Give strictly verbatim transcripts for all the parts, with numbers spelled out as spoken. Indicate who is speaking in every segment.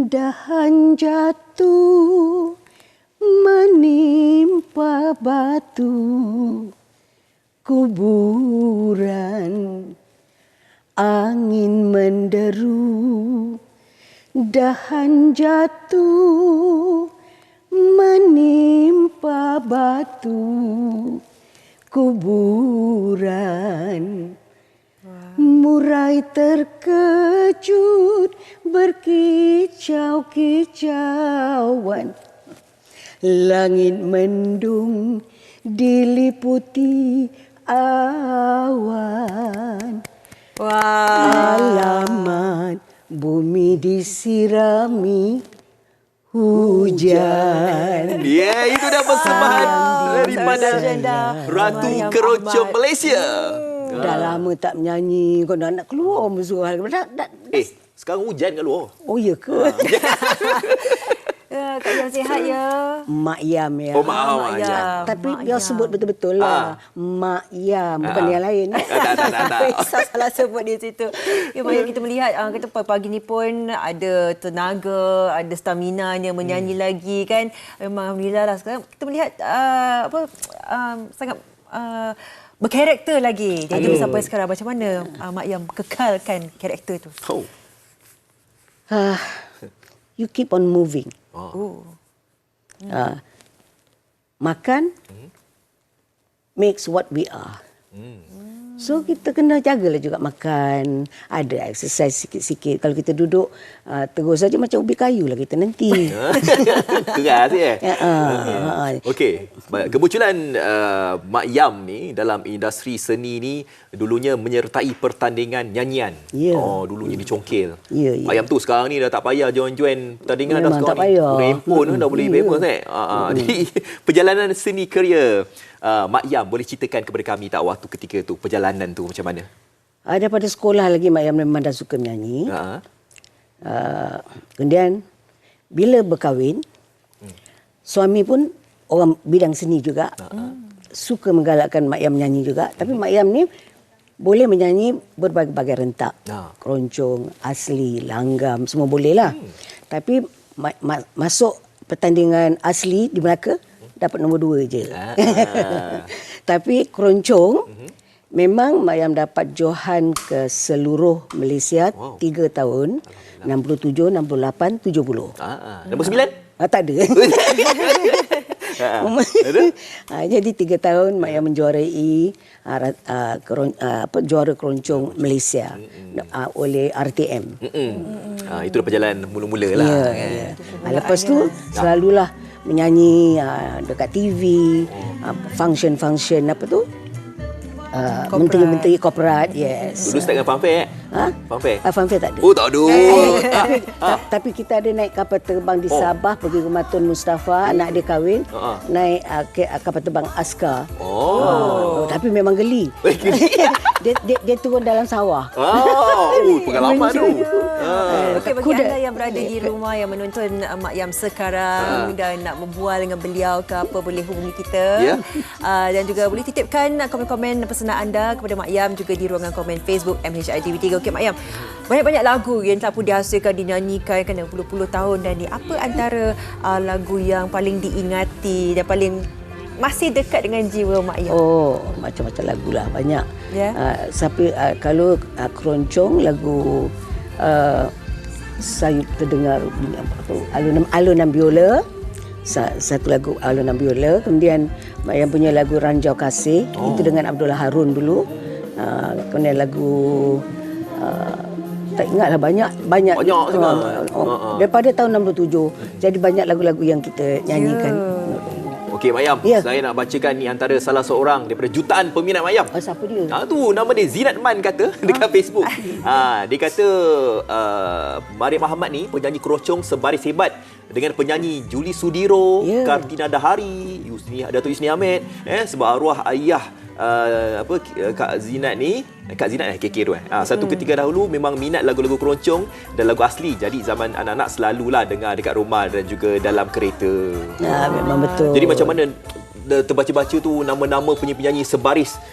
Speaker 1: Dahan jatuh menimpa batu kuburan, angin menderu. Dahan jatuh menimpa batu kuburan. Murai terkejut berkicau-kicauan. Langit mendung diliputi awan.
Speaker 2: Wah.
Speaker 1: Alamat bumi disirami hujan.
Speaker 3: Ya, yeah, itu dah persembahan daripada Ratu Keroncong Malaysia.
Speaker 1: Hmm, dah lama tak menyanyi, kau dah nak keluar musuh.
Speaker 3: Eh, sekarang hujan kat luar.
Speaker 1: Oh, ya ke?
Speaker 2: Ya, Kak Yam sihat ya.
Speaker 1: Mak Yam ya.
Speaker 3: Oh, Mak, Mak Yam.
Speaker 1: Yam. Tapi
Speaker 2: Mak
Speaker 1: biar
Speaker 2: Yam.
Speaker 1: sebut betul-betul lah.
Speaker 3: Ah.
Speaker 1: Mak Yam, bukan
Speaker 3: Ah.
Speaker 1: yang lain.
Speaker 3: Tak, tak, tak, tak.
Speaker 2: Risau salah sebut di situ. Ya, Mak Yam, kita melihat uh, kita pagi ni pun ada tenaga, ada stamina yang menyanyi hmm. lagi kan. Memang alhamdulillah lah sekarang kita melihat uh, apa uh, sangat uh, berkarakter lagi. Jadi
Speaker 1: Aduh.
Speaker 2: sampai sekarang macam mana uh, Mak Yam kekalkan karakter tu?
Speaker 3: Oh.
Speaker 1: Ah, you keep on moving.
Speaker 2: Oh.
Speaker 1: Ah, makan makes what we are. So kita kena jagalah juga makan, ada exercise sikit-sikit. Kalau kita duduk uh, terus saja macam ubi kayu lah kita nanti.
Speaker 3: Keras ya.
Speaker 1: Ya, ah, ah.
Speaker 3: Okey, kemunculan uh, Mak Yam ni dalam industri seni ni dulunya menyertai pertandingan nyanyian.
Speaker 1: Ya.
Speaker 3: Oh, dulunya dicongkil.
Speaker 1: Ya, ya.
Speaker 3: Mak Yam tu sekarang ni dah tak payah join-join pertandingan dah
Speaker 1: Memang
Speaker 3: sekarang
Speaker 1: tak
Speaker 3: ni.
Speaker 1: payah.
Speaker 3: Guna handphone
Speaker 1: Mm-mm.
Speaker 3: dah boleh
Speaker 1: Ya.
Speaker 3: famous eh. Uh, uh. Jadi perjalanan seni kerja uh, Mak Yam boleh ceritakan kepada kami tak waktu ketika tu, perjalanan tu macam mana?
Speaker 1: Ah, daripada sekolah lagi Mak Yam memang dah suka menyanyi.
Speaker 3: Ha.
Speaker 1: Uh, kemudian bila berkahwin, suami pun orang bidang seni juga. Suka menggalakkan Mak Yam menyanyi juga. Tapi Mak Yam ni boleh menyanyi berbagai-bagai rentak.
Speaker 3: Ha.
Speaker 1: Keroncong, asli, langgam, semua boleh lah. Hmm. Tapi ma- ma- masuk pertandingan asli di Melaka, dapat nombor dua je.
Speaker 3: Ah.
Speaker 1: Tapi keroncong, memang Mak Yam dapat johan ke seluruh Malaysia
Speaker 3: Wow.
Speaker 1: tiga tahun. enam puluh tujuh, enam puluh lapan, tujuh puluh.
Speaker 3: Ah, ah. Nombor sembilan?
Speaker 1: Ah, tak ada.
Speaker 3: Ha, ada?
Speaker 1: Ah, jadi tiga tahun Mak Yam menjuarai ah, ra- ah, keron, ah, apa, juara keroncong Malaysia ah, oleh R T M.
Speaker 3: Ah, itu dah perjalanan mula-mula lah.
Speaker 1: Ya,
Speaker 3: kan?
Speaker 1: ya. Ah, lepas tu selalulah menyanyi ah, dekat T V, ah, function-function apa tu? Ah,
Speaker 2: Korporat.
Speaker 1: menteri-menteri korporat, yes.
Speaker 3: Dulu start dengan fanfare eh?
Speaker 1: Ha?
Speaker 3: Fanfare?
Speaker 1: Ah, fanfare tak ada.
Speaker 3: Oh, tak ada.
Speaker 1: tapi, ta- tapi kita ada naik kapal terbang di
Speaker 3: Oh.
Speaker 1: Sabah pergi rumah Tun Mustafa, anak dia kahwin,
Speaker 3: Ha-ha.
Speaker 1: naik uh, ke, uh, kapal terbang Askar.
Speaker 3: Oh.
Speaker 1: Oh, tapi memang geli.
Speaker 3: Eh, geli.
Speaker 1: dia, dia dia turun dalam sawah.
Speaker 3: Oh, oh pengalaman tu. Ah.
Speaker 2: Okey, bagi
Speaker 1: Kuda.
Speaker 2: anda yang berada di rumah yang menonton uh, Mak Yam sekarang dan nak berbual dengan beliau ke apa, boleh hubungi kita.
Speaker 3: Ya.
Speaker 2: Uh, dan juga boleh titipkan uh, komen-komen pesanan anda kepada Mak Yam juga di ruangan komen Facebook M H I T V tiga. Okey Mak Yam, banyak-banyak lagu yang telah pun dihasilkan, dinyanyikan kan berpuluh-puluh tahun dah ni. Apa antara uh, lagu yang paling diingati dan paling masih dekat dengan jiwa Mak Yam?
Speaker 1: Oh, macam-macam lagu lah, banyak.
Speaker 2: Ya.
Speaker 1: Uh, sampai uh, kalau uh, keroncong lagu uh, saya terdengar bunyi apa tu? Alunan alunan biola. Sa- Satu lagu alunan biola. Kemudian Mak Yam punya lagu Ranjau Kasih, oh. itu dengan Abdullah Harun dulu. Uh, kemudian lagu uh, tak ingatlah banyak banyak
Speaker 3: Banyak
Speaker 1: uh,
Speaker 3: sangat.
Speaker 1: uh,
Speaker 3: Uh-uh.
Speaker 1: daripada tahun enam puluh tujuh. Jadi banyak lagu-lagu yang kita nyanyikan.
Speaker 3: Okey, Mak Yam,
Speaker 1: Ya.
Speaker 3: saya nak bacakan ni antara salah seorang daripada jutaan peminat Mak Yam.
Speaker 1: Oh, siapa dia?
Speaker 3: Ah tu nama dia Zinat Man kata dekat Facebook. Ah dia kata uh, Mariam Ahmad ni penyanyi keroncong sebaris hebat dengan penyanyi Juli Sudiro,
Speaker 1: Ya.
Speaker 3: Kartina Dahari, Yusni Datuk Yusni Ahmed eh sebab arwah ayah uh, apa Kak Zinat ni, Kak Zinat eh K K tu eh. Ah satu ketika dahulu memang minat lagu-lagu keroncong dan lagu asli. Jadi zaman anak-anak selalulah dengar dekat rumah dan juga dalam kereta.
Speaker 1: Ya, memang betul.
Speaker 3: Jadi macam mana terbaca-baca tu nama-nama penyanyi-penyanyi sebaris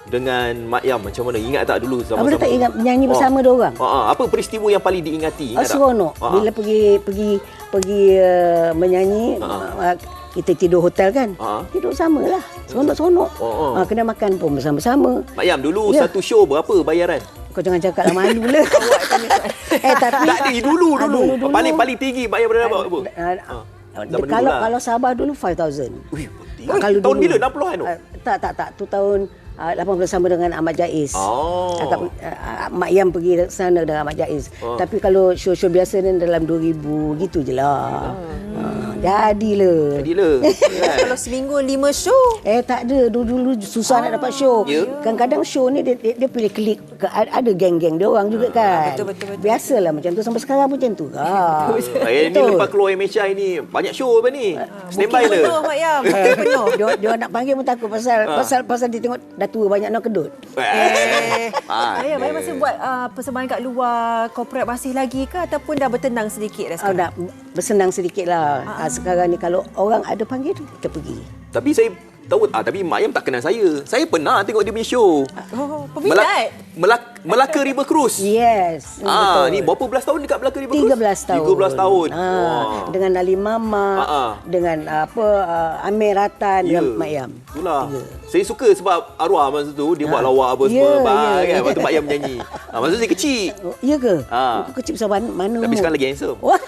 Speaker 3: dengan Mak Yam macam mana? Ingat tak dulu
Speaker 1: Abang
Speaker 3: zaman-zaman?
Speaker 1: tak ingat nyanyi bersama dua orang?
Speaker 3: Ha, ha. Apa peristiwa yang paling diingati?
Speaker 1: Oh,
Speaker 3: Ingat tak?
Speaker 1: seronok.
Speaker 3: Ha, ha.
Speaker 1: Bila pergi pergi pergi uh, menyanyi, uh, kita tidur hotel kan.
Speaker 3: Ha.
Speaker 1: Tidur sama lah. Seronok-seronok.
Speaker 3: Oh, oh.
Speaker 1: Uh, kena makan pun bersama-sama.
Speaker 3: Mak Yam, dulu
Speaker 1: Ya.
Speaker 3: satu show berapa bayaran?
Speaker 1: Kau jangan cakap lah malu lah. eh tapi
Speaker 3: Tak ada, dulu,
Speaker 1: Ah,
Speaker 3: dulu.
Speaker 1: dulu.
Speaker 3: Paling paling tinggi Mak Yam pernah dapat apa?
Speaker 1: Uh,
Speaker 3: Ha. Zaman
Speaker 1: kalau
Speaker 3: dulu lah.
Speaker 1: kalau Sabah dulu five thousand.
Speaker 3: Ui, penting.
Speaker 1: Kalau
Speaker 3: Tahun
Speaker 1: dulu,
Speaker 3: bila? enam puluhan tu?
Speaker 1: Uh, tak tak tak. Tu tahun uh, lapan puluh sama dengan Ahmad Jaiz.
Speaker 3: Oh.
Speaker 1: Akak, uh, Mak Yam pergi sana dengan Ahmad Jaiz.
Speaker 3: Oh.
Speaker 1: Tapi kalau show-show biasa ni dalam dua ribu gitu je lah. Uh, jadilah.
Speaker 3: Jadilah. Kan?
Speaker 2: Kalau seminggu lima show.
Speaker 1: Eh tak ada, dulu-dulu susah nak dapat show.
Speaker 3: Ya.
Speaker 1: Kadang-kadang show ni dia, dia, dia pilih klik, ke- ada geng-geng dia orang juga kan.
Speaker 2: Betul, betul, betul.
Speaker 1: Biasalah macam tu, sampai sekarang pun macam tu. Ha.
Speaker 3: Eh, ni lepas keluar M H I ni banyak show apa ni? Standby
Speaker 2: Bukit
Speaker 3: le.
Speaker 2: penuh, Mak Yam. Bukit penuh.
Speaker 1: dia, dia nak panggil pun takut pasal
Speaker 3: Ha.
Speaker 1: pasal pasal dia tengok dah tua banyak nak kedut.
Speaker 2: Eh,
Speaker 3: Ah,
Speaker 2: Mak Yam, Mak Yam masih buat uh, persembahan kat luar korporat masih lagi ke ataupun dah bertenang sedikit dah
Speaker 1: Oh,
Speaker 2: sekarang?
Speaker 1: nak bersenang sedikit lah. Ha. Sekarang ni kalau orang ada panggil, kita pergi.
Speaker 3: Tapi saya tahu ah tapi Mak Yam tak kenal saya. Saya pernah tengok dia punya show.
Speaker 2: Oh, peminat.
Speaker 3: Melak, Melaka River Cruise.
Speaker 1: Yes.
Speaker 3: Ah,
Speaker 1: betul.
Speaker 3: ni berapa belas tahun dekat Melaka River Cruise?
Speaker 1: tiga belas tahun.
Speaker 3: tiga belas tahun.
Speaker 1: Ha,
Speaker 3: Wah.
Speaker 1: dengan Ali Mama,
Speaker 3: Ha, ha.
Speaker 1: dengan apa uh, Amir Ratan
Speaker 3: Ya.
Speaker 1: dengan Mak Yam.
Speaker 3: Itulah.
Speaker 1: Tiga.
Speaker 3: Saya suka sebab arwah masa tu dia buat lawak apa
Speaker 1: Ya,
Speaker 3: semua
Speaker 1: ya.
Speaker 3: bang kan. Lepas tu Mak Yam menyanyi. Ah, masa tu saya kecil.
Speaker 1: Oh, iya ke?
Speaker 3: Ha.
Speaker 1: Kau kecil besar mana? mana
Speaker 3: Tapi
Speaker 1: umur?
Speaker 3: sekarang lagi handsome.
Speaker 1: Wah.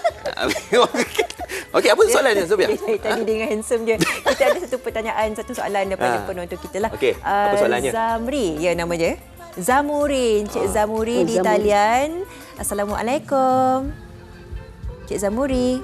Speaker 3: Okey, apa soalan dia Sofia?
Speaker 2: Tadi dengan handsome dia. Kita ada satu pertanyaan, satu soalan daripada
Speaker 3: Ah.
Speaker 2: penonton kita lah.
Speaker 3: Okey, apa
Speaker 2: Ah,
Speaker 3: soalannya?
Speaker 2: Zamri, ya nama dia. Zamurin, Cik Zamuri
Speaker 1: Oh,
Speaker 2: di
Speaker 1: Zamuri.
Speaker 2: talian. Assalamualaikum. Cik Zamuri.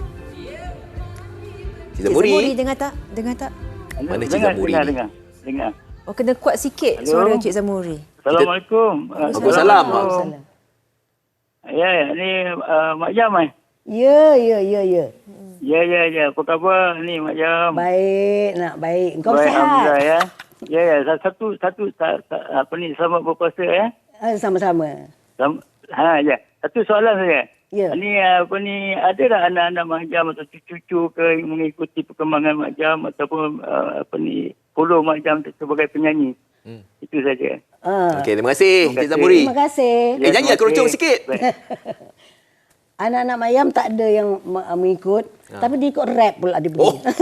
Speaker 3: Cik
Speaker 2: Cik Zamuri
Speaker 3: Zamuri.
Speaker 2: dengar tak? Dengar tak?
Speaker 3: Mana Cik
Speaker 4: dengar,
Speaker 3: Zamuri
Speaker 4: dengar,
Speaker 3: ni?
Speaker 4: dengar, dengar.
Speaker 2: Oh, kena kuat sikit
Speaker 4: Hello?
Speaker 2: suara Cik Zamuri.
Speaker 4: Assalamualaikum.
Speaker 3: Waalaikumsalam.
Speaker 1: Waalaikumsalam.
Speaker 4: Ya, ya, ni uh, Mak Jam eh.
Speaker 1: Ya, ya, ya, ya.
Speaker 4: Ya, ya, ya. Apa khabar ni Mak Jam?
Speaker 1: Baik, nak baik. Kau
Speaker 4: Baik,
Speaker 1: sihat?
Speaker 4: Alhamdulillah ya. Ya, ya. Satu, satu, ta, ta, apa ni, selamat berpuasa ya.
Speaker 1: Ah, sama-sama.
Speaker 4: Sam, ha, ya. Satu soalan saja.
Speaker 1: Ya.
Speaker 4: Ni apa ni, ada tak anak-anak Mak Jam atau cucu-cucu ke yang mengikuti perkembangan Mak Jam ataupun uh, apa ni, follow Mak Jam sebagai penyanyi?
Speaker 3: Hmm.
Speaker 4: Itu saja.
Speaker 1: Ah.
Speaker 3: Okey, terima kasih
Speaker 4: Terima
Speaker 3: Cik
Speaker 4: kasih.
Speaker 3: Zamuri.
Speaker 1: Terima kasih.
Speaker 3: Eh, nyanyi lah keroncong
Speaker 4: Okey.
Speaker 3: sikit.
Speaker 4: Baik.
Speaker 1: Anak-anak Mayam tak ada yang me- mengikut. Tapi dia ikut rap pula dia
Speaker 3: Oh.
Speaker 1: pergi.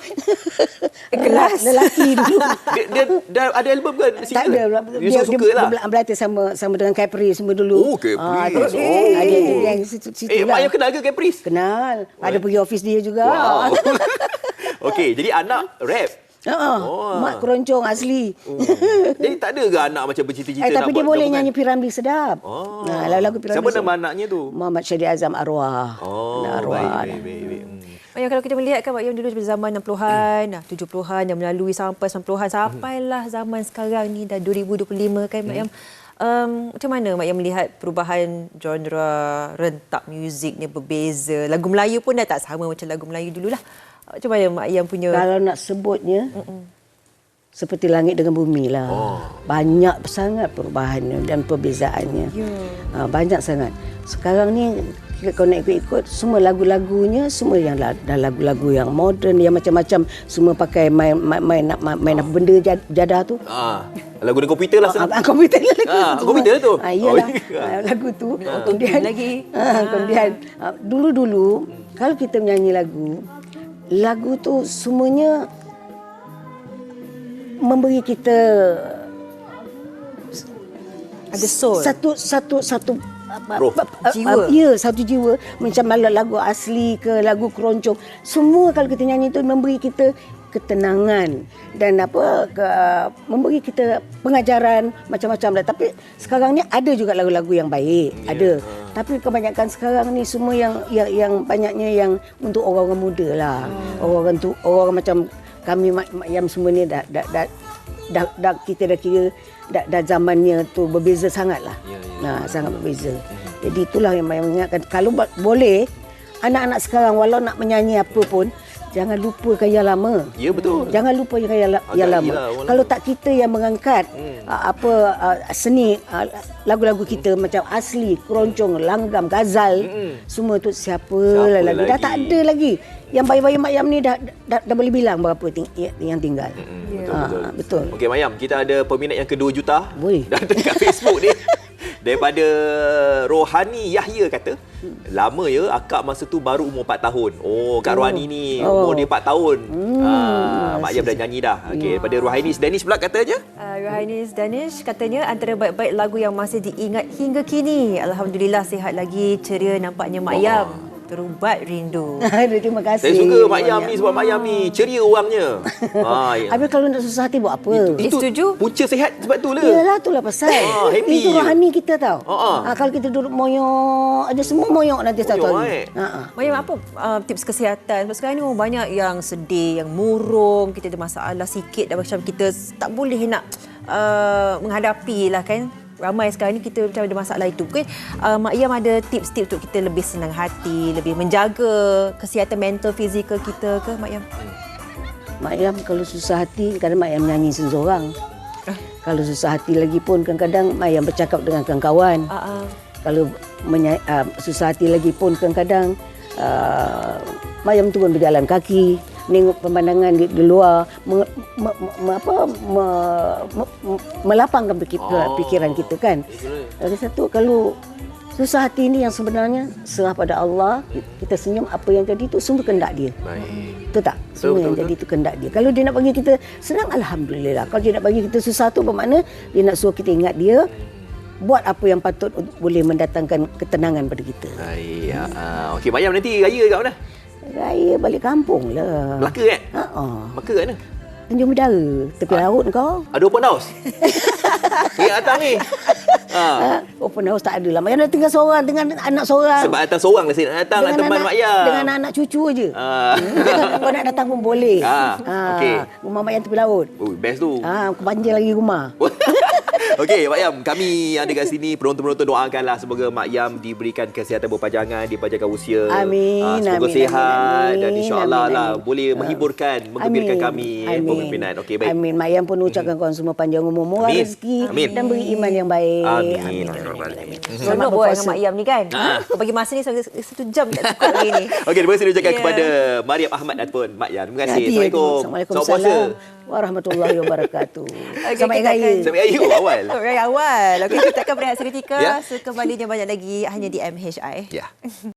Speaker 2: Kelas.
Speaker 1: Lelaki dulu.
Speaker 3: Dia, dia dah ada album kan?
Speaker 1: Tak ada.
Speaker 3: Dia, suka
Speaker 1: dia,
Speaker 3: lah.
Speaker 1: Dia berlatih sama sama dengan Capri semua dulu.
Speaker 3: Oh, Capri.
Speaker 1: Ah, dia,
Speaker 3: Oh.
Speaker 1: ah, dia, dia, dia, situ, situ
Speaker 3: Eh, Mak
Speaker 1: lah.
Speaker 3: Yam kenal ke Caprice?
Speaker 1: Kenal. Ada pergi office dia juga.
Speaker 3: Wow. Okey, jadi anak rap.
Speaker 1: Ha,
Speaker 3: Oh.
Speaker 1: mak keroncong asli.
Speaker 3: Oh. Jadi tak ada ke anak macam bercita-cita
Speaker 1: Eh,
Speaker 3: nak
Speaker 1: tapi dia
Speaker 3: buat
Speaker 1: boleh
Speaker 3: gabungan?
Speaker 1: nyanyi Piramli sedap.
Speaker 3: Oh.
Speaker 1: Nah, lagu-lagu Piramli.
Speaker 3: Siapa
Speaker 1: sedap.
Speaker 3: nama anaknya tu?
Speaker 1: Muhammad Syahdi Azam Arwah.
Speaker 3: Oh,
Speaker 1: Nah, Arwah.
Speaker 3: baik, baik, baik. baik. Hmm.
Speaker 2: Mak Yam, kalau kita melihat kan Mak Yam dulu pada zaman enam puluhan, hmm. tujuh puluhan dan melalui sampai sembilan puluhan sampailah zaman sekarang ni dah dua ribu dua puluh lima kan Mak Yam. Um, macam mana Mak Yam melihat perubahan genre rentak muzik ni berbeza. Lagu Melayu pun dah tak sama macam lagu Melayu dululah. Macam mana Mak Yam punya
Speaker 1: Kalau nak sebutnya, Mm-mm. seperti langit dengan bumi lah.
Speaker 3: Oh.
Speaker 1: Banyak sangat perubahannya dan perbezaannya.
Speaker 2: Ya.
Speaker 1: Ha, banyak sangat. Sekarang ni kalau nak ikut-ikut, semua lagu-lagunya semua yang la- dah lagu-lagu yang moden, yang macam-macam, semua pakai main main main, main, main apa benda jad- jadah tu.
Speaker 3: Ah, lagu dengan komputer lah senang.
Speaker 1: Ah, komputer lah lagu
Speaker 3: Ah,
Speaker 1: tu.
Speaker 3: komputer tu?
Speaker 1: Ah, iyalah.
Speaker 3: Oh, iya.
Speaker 1: Ah, lagu tu.
Speaker 2: Ah.
Speaker 1: Kemudian
Speaker 2: Lagi.
Speaker 1: Ah, kemudian ah, dulu-dulu kalau kita menyanyi lagu, lagu tu semuanya memberi kita
Speaker 2: ada soul.
Speaker 1: satu satu satu apa,
Speaker 3: Roh.
Speaker 1: apa,
Speaker 2: Jiwa.
Speaker 1: ya, satu jiwa. Macam malah lagu asli ke lagu keroncong, semua kalau kita nyanyi itu memberi kita ketenangan dan apa ke, memberi kita pengajaran macam-macam lah. Tapi sekarang ni ada juga lagu-lagu yang baik,
Speaker 3: Ya.
Speaker 1: ada. Tapi kebanyakan sekarang ni semua yang yang, yang banyaknya yang untuk orang-orang muda lah.
Speaker 3: Hmm.
Speaker 1: Orang-orang tu orang macam kami mak, mak yam semua ni dah dah, dah dah, dah kita dah kira dah, dah zamannya tu berbeza sangatlah.
Speaker 3: Ya, ya.
Speaker 1: Nah, sangat berbeza. Jadi itulah yang saya mengingatkan, kalau ba- boleh anak-anak sekarang walau nak menyanyi apa pun, jangan lupakan yang lama.
Speaker 3: Ya, betul.
Speaker 1: Jangan lupa yang, yang, yang
Speaker 3: Agak
Speaker 1: lama.
Speaker 3: iyalah, orang
Speaker 1: Kalau
Speaker 3: lama.
Speaker 1: tak kita yang mengangkat
Speaker 3: Hmm.
Speaker 1: uh, apa uh, seni uh, lagu-lagu kita macam asli, keroncong, langgam, gazal,
Speaker 3: Hmm.
Speaker 1: semua tu siapa,
Speaker 3: Siapa
Speaker 1: lah lagi. Dah
Speaker 3: lagi?
Speaker 1: tak ada lagi. Yang bayi-bayi mak yam ni dah, dah dah boleh bilang berapa ting- yang tinggal.
Speaker 3: Hmm,
Speaker 2: Ya.
Speaker 3: betul. betul,
Speaker 1: Ah,
Speaker 3: betul.
Speaker 1: betul.
Speaker 3: Okey, Mayam, kita ada peminat yang kedua juta.
Speaker 1: Boleh.
Speaker 3: Dan dekat Facebook ni. Daripada Rohani Yahya kata, lama ya akak masa tu baru umur empat tahun. Oh, Kak Rohani ni
Speaker 1: Oh.
Speaker 3: umur dia empat tahun.
Speaker 1: Hmm.
Speaker 3: Ah, Mak Yam dah nyanyi dah. Okey, daripada Rohani Danish pula katanya.
Speaker 2: Uh, Rohainis Danish katanya antara baik-baik lagu yang masih diingat hingga kini. Alhamdulillah sihat lagi, ceria nampaknya Mak Yam. Terubat rindu.
Speaker 1: Terima kasih.
Speaker 3: Saya suka Mak Yam
Speaker 1: banyak.
Speaker 3: ni sebab Mak Yam ni ceria orangnya. Ah, ya.
Speaker 1: Habis kalau nak susah hati buat apa?
Speaker 2: Eh, setuju?
Speaker 3: Punca sihat sebab tu lah.
Speaker 1: Yalah, itulah pasal.
Speaker 3: Ah, happy
Speaker 1: Itu
Speaker 3: je.
Speaker 1: rohani kita tau.
Speaker 3: Ah, ah.
Speaker 1: Ah, kalau kita duduk moyok, ada semua moyok nanti satu
Speaker 3: Moyok,
Speaker 1: hari.
Speaker 3: eh.
Speaker 1: Ha ah.
Speaker 2: Mayam, apa uh, tips kesihatan? Sebab sekarang ni orang banyak yang sedih, yang murung, kita ada masalah sikit dan macam kita tak boleh nak uh, menghadapi lah kan. Ramai sekarang ni kita macam ada masalah itu. Mungkin uh, Mak Yam ada tips-tips untuk kita lebih senang hati, lebih menjaga kesihatan mental, fizikal kita ke Mak Yam?
Speaker 1: Mak Yam kalau susah hati, kadang Mak Yam nyanyi seorang. Kalau susah hati lagi pun kadang-kadang Mak Yam bercakap dengan kawan-kawan.
Speaker 2: Uh, uh.
Speaker 1: Kalau menya- uh, susah hati lagi pun kadang-kadang uh, Mak Yam turun berjalan kaki, menengok pemandangan di, di luar, me, me, me, apa, me, me, me- melapangkan pikir,
Speaker 3: Oh.
Speaker 1: pikiran kita kan. Lagi satu, kalau susah hati ini yang sebenarnya serah pada Allah, kita senyum, apa yang jadi itu semua kehendak dia.
Speaker 3: Baik.
Speaker 1: Betul tak? Semua
Speaker 3: betul,
Speaker 1: yang
Speaker 3: betul.
Speaker 1: jadi itu kehendak dia. Kalau dia nak bagi kita senang, Alhamdulillah. Kalau dia nak bagi kita susah tu bermakna dia nak suruh kita ingat dia, buat apa yang patut untuk boleh mendatangkan ketenangan pada kita.
Speaker 3: Baik. Ah, okey, Mak Yam nanti raya kat mana?
Speaker 1: Raya balik kampung lah.
Speaker 3: Melaka kan?
Speaker 1: Ha ah.
Speaker 3: Melaka kat mana?
Speaker 1: Tanjung Bidara, tepi laut kau.
Speaker 3: Ada open house? Yang datang ni. Ha.
Speaker 1: Ha, open house tak ada lah. Mak Yam nak tinggal seorang dengan anak seorang.
Speaker 3: Sebab datang seorang lah saya nak datang nak teman
Speaker 1: anak,
Speaker 3: Mak Yam.
Speaker 1: Dengan anak cucu je.
Speaker 3: Ah.
Speaker 1: Kau nak datang pun boleh.
Speaker 3: Ah, okey.
Speaker 1: Rumah Mak Yam tepi laut.
Speaker 3: Oh, best tu.
Speaker 1: Ah, aku banjir lagi rumah.
Speaker 3: Okey, Mak Yam, kami yang ada kat sini, penonton-penonton doakanlah semoga Mak Yam diberikan kesihatan berpanjangan, dipanjangkan usia.
Speaker 1: Amin,
Speaker 3: Ah, semoga
Speaker 1: amin,
Speaker 3: sihat
Speaker 1: amin,
Speaker 3: dan insya-Allah
Speaker 1: amin,
Speaker 3: lah
Speaker 1: amin.
Speaker 3: boleh menghiburkan, menggembirakan kami eh, pemimpinan. Okey, baik.
Speaker 1: Amin. Mak Yam pun ucapkan korang semua panjang umur, murah
Speaker 3: Amin.
Speaker 1: rezeki
Speaker 3: Amin.
Speaker 1: dan beri iman yang baik.
Speaker 3: Amin.
Speaker 1: Amin.
Speaker 2: Seronok buat dengan Mak Yam ni kan?
Speaker 3: Ah.
Speaker 2: Kau bagi masa ni sampai satu jam tak cukup lagi ni.
Speaker 3: Okey, terima kasih diucapkan
Speaker 2: Ya.
Speaker 3: kepada Mariam Ahmad ataupun Mak Yam. Terima kasih.
Speaker 1: Hati,
Speaker 3: Assalamualaikum.
Speaker 1: Assalamualaikum
Speaker 3: Selamat puasa.
Speaker 1: warahmatullahi wabarakatuh.
Speaker 2: Okey,
Speaker 1: Selamat
Speaker 2: kita
Speaker 1: Raya.
Speaker 2: akan-
Speaker 3: Selamat Raya oh, awal.
Speaker 2: Raya awal. Okey, kita akan berehat seketika.
Speaker 3: Ya.
Speaker 2: Sekembalinya banyak lagi hanya di M H I.
Speaker 3: Ya.